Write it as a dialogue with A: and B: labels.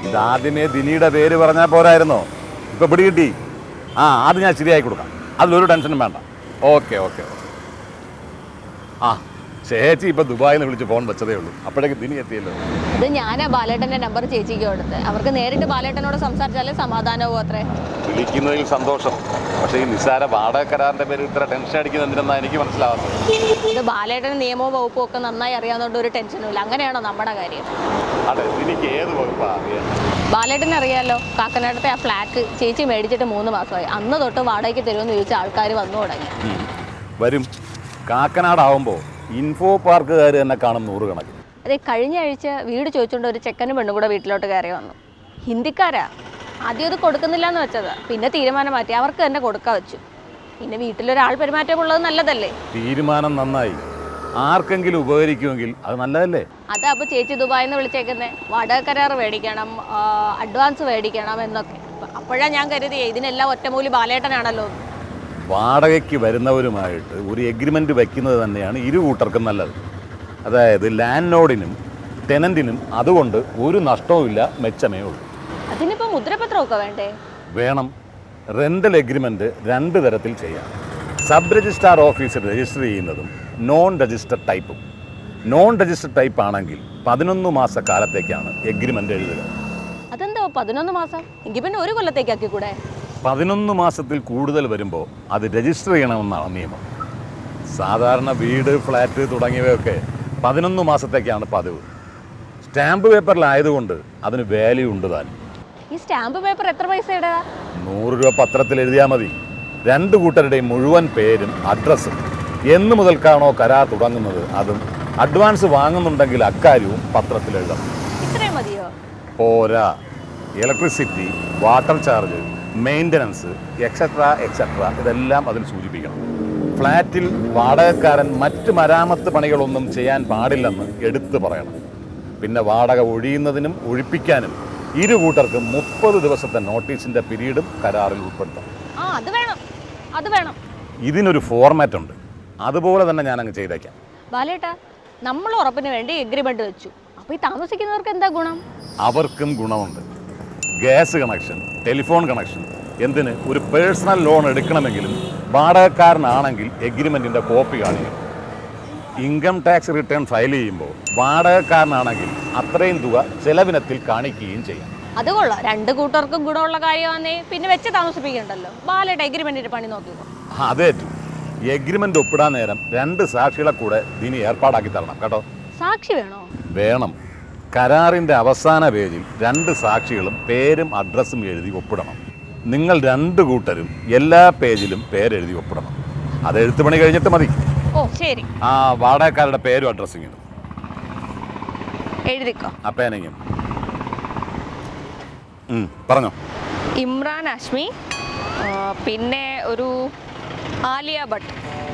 A: ഇതാദ്യമേ ദിനിയുടെ പേര് പറഞ്ഞാൽ പോരായിരുന്നോ? ഇപ്പം പിടി കിട്ടി. അത് ഞാൻ ശരിയാക്കി കൊടുക്കാം, അതിലൊരു ടെൻഷനും വേണ്ട. Okay okay okay. ചേച്ചി ഇപ്പം ദുബായിൽ നിന്ന് വിളിച്ച് ഫോൺ വെച്ചതേ ഉള്ളൂ, അപ്പോഴേക്ക് ദിനി എത്തിയല്ലോ.
B: ഇത് ഞാനാ ബാലേട്ടൻ്റെ നമ്പർ ചേച്ചിക്ക് കൊടുത്ത്. അവർക്ക് നേരിട്ട് ബാലേട്ടനോട് സംസാരിച്ചാലേ സമാധാനമാവും. അത്രേ
A: വിളിക്കുന്നതിൽ സന്തോഷം. പക്ഷേ ഈ നിസ്സാര വാടക കരാറിൻ്റെ പേര് ഇത്ര ടെൻഷൻ അടിക്കുന്നത് എന്തിനെന്നാണ് എനിക്ക് മനസ്സിലാവാത്തത്.
B: ഇത് ബാലേട്ടന് നിയമവും വകുപ്പും ഒക്കെ നന്നായി അറിയാവുന്നതുകൊണ്ട് ഒരു ടെൻഷനും ഇല്ല. അങ്ങനെയാണോ നമ്മുടെ കാര്യം?
A: അതെ, എനിക്ക് ഏത് വകുപ്പാണ്?
B: ബാലേട്ടനെ അറിയാമല്ലോ, കാക്കനാടത്തെ ആ ഫ്ലാറ്റ് ചേച്ചി മേടിച്ചിട്ട് 3 മാസമായി. അന്ന് തൊട്ട് വാടകയ്ക്ക് തരുമെന്ന് ചോദിച്ച ആൾക്കാർ വന്നു തുടങ്ങി.
A: വരും. കാക്കനാടാവുമ്പോൾ ഇൻഫോ പാർക്കുകാർ തന്നെ കാണും 100 കണക്ക്.
B: അതെ, കഴിഞ്ഞ ആഴ്ച വീട് ചോദിച്ചുകൊണ്ട് ഒരു ചെക്കനും പെണ്ണും കൂടെ വീട്ടിലോട്ട് കയറി വന്നു. ഹിന്ദിക്കാരാ. ആദ്യം അത് കൊടുക്കുന്നില്ല എന്ന് വെച്ചതാ, പിന്നെ തീരുമാനം മാറ്റി അവർക്ക് തന്നെ കൊടുക്കാൻ വെച്ചു. പിന്നെ വീട്ടിലൊരാൾ പെരുമാറ്റമുള്ളത് നല്ലതല്ലേ?
A: തീരുമാനം നന്നായി. ആർക്കെങ്കിലും ഉപകരിക്കുമെങ്കിൽ അത് നല്ലതല്ലേ?
B: അതാ അപ്പോൾ ചേച്ചി ദുബായിൽ നിന്ന് വിളിച്ചേക്കുന്നത്. വാടക കരാർ മേടിക്കണം, അഡ്വാൻസ് മേടിക്കണം എന്നൊക്കെ. അപ്പോഴാണ് ഞാൻ കരുതിയേ ഇതിനെല്ലാം ഒറ്റമൂലി ബാലേട്ടനാണല്ലോ.
A: വാടകയ്ക്ക് വരുന്നവരുമായിട്ട് ഒരു എഗ്രിമെൻ്റ് വയ്ക്കുന്നത് തന്നെയാണ് ഇരു കൂട്ടർക്കും നല്ലത്. അതായത് ലാൻഡ് ലോഡിനും ടെനൻറ്റിനും അതുകൊണ്ട് ഒരു നഷ്ടവുമില്ല, മെച്ചമേ ഉള്ളൂ.
B: അതിനിപ്പോൾ മുദ്രപത്രമൊക്കെ വേണ്ടേ?
A: വേണം. റെൻ്റൽ എഗ്രിമെൻ്റ് 2 തരത്തിൽ ചെയ്യാം. സബ് രജിസ്ട്രാർ ഓഫീസിൽ രജിസ്റ്റർ ചെയ്യുന്നതും നോൺ രജിസ്റ്റർ ടൈപ്പും. നോൺ രജിസ്റ്റർ ടൈപ്പ് ആണെങ്കിൽ 11 മാസ കാലത്തേക്കാണ് എഗ്രിമെൻ്റ് എഴുതുക.
B: അതെന്താ 11 മാസം? എങ്കിൽ പിന്നെ 1 കൊല്ലത്തേക്കാക്കി കൂടെ?
A: 11 മാസത്തിൽ കൂടുതൽ വരുമ്പോൾ അത് രജിസ്റ്റർ ചെയ്യണമെന്നാണ് നിയമം. സാധാരണ വീട്, ഫ്ലാറ്റ് തുടങ്ങിയവയൊക്കെ 11 മാസത്തേക്കാണ് പതിവ്. സ്റ്റാമ്പ് പേപ്പറിലായതുകൊണ്ട് അതിന് വാല്യൂ ഉണ്ട് താൻ.
B: ഈ സ്റ്റാമ്പ് പേപ്പർ എത്ര പൈസ ഇടുക?
A: 100 രൂപ പത്രത്തിൽ എഴുതിയാൽ മതി. 2 കൂട്ടരുടെയും മുഴുവൻ പേരും അഡ്രസ്സും എന്ന് മുതൽക്കാണോ കരാർ തുടങ്ങുന്നത് അതും അഡ്വാൻസ് വാങ്ങുന്നുണ്ടെങ്കിൽ അക്കാര്യവും പത്രത്തിൽ എഴുതണം.
B: ഇത്രയും മതിയോ?
A: പോരാ. Electricity, water charge, maintenance etcetera etcetera ഇതെല്ലാം അതിൽ സൂചിപ്പിക്കണം. ഫ്ലാറ്റിൽ വാടകക്കാരൻ മറ്റ് മരാമത്ത് പണികളൊന്നും ചെയ്യാൻ പാടില്ലെന്ന് എടുത്തു പറയണം. പിന്നെ വാടക ഒഴിയുന്നതിനും ഒഴിപ്പിക്കാനും ഇരു കൂട്ടർക്കും 30 ദിവസത്തെ നോട്ടീസിൻ്റെ പീരീഡും കരാറിൽ ഉൾപ്പെടുത്തണം.
B: അത് വേണം.
A: ഇതിനൊരു ഫോർമാറ്റ് ഉണ്ട്, അതുപോലെ തന്നെ ഞാനങ്ങ് ചെയ്തേക്കാം.
B: ബാലേട്ടാ, നമ്മൾ ഉറപ്പിന് വേണ്ടി എഗ്രിമെൻ്റ് വെച്ചു. അപ്പോൾ ഈ താമസിക്കുന്നവർക്ക് എന്താ ഗുണം?
A: അവർക്കും ഗുണമുണ്ട്. ഗ്യാസ് കണക്ഷൻ, ടെലിഫോൺ കണക്ഷൻ, എന്തിന് ഒരു പേഴ്സണൽ ലോൺ എടുക്കണമെങ്കിലും വാടകക്കാരനാണെങ്കിൽ എഗ്രിമെൻറ്റിൻ്റെ കോപ്പി കാണിക്കും. ഇൻകം ടാക്സ് റിട്ടേൺ ഫയൽ ചെയ്യുമ്പോൾ വാടകക്കാരനാണെങ്കിൽ അത്രയും തുക ചെലവിനത്തിൽ കാണിക്കുകയും ചെയ്യാം.
B: അത് കൊള്ളാം. 2 കൂട്ടർക്കും ഗുണമുള്ള കാര്യമാണേ പിന്നെ വെച്ച് താമസിപ്പിക്കണ്ടല്ലോ. ബാലേട്ട എഗ്രിമെൻറ്റിൻ്റെ പണി നോക്കിക്കോ.
A: അതേറ്റു. എഗ്രിമെൻ്റ് ഒപ്പിടാൻ നേരം 2 സാക്ഷികളെ കൂടെ ദിനി ഏർപ്പാടാക്കി തരണം കേട്ടോ.
B: സാക്ഷി വേണോ?
A: വേണം. കരാറിൻ്റെ അവസാന പേജിൽ 2 സാക്ഷികളും പേരും അഡ്രസ്സും എഴുതി ഒപ്പിടണം. നിങ്ങൾ 2 കൂട്ടരും എല്ലാ പേജിലും പേരെഴുതി ഒപ്പിടണം. അത് എഴുത്തുപണി കഴിഞ്ഞിട്ട് മതി.
B: ഓ ശരി.
A: വാടകക്കാരുടെ പേരും അഡ്രസ്സിങ്ങും
B: എഴുതിക്കോ.
A: അപ്പേനെങ്കിലും പറഞ്ഞോ.
B: ഇമ്രാൻ അഷ്മി, പിന്നെ ഒരു ആലിയ ഭട്ട്.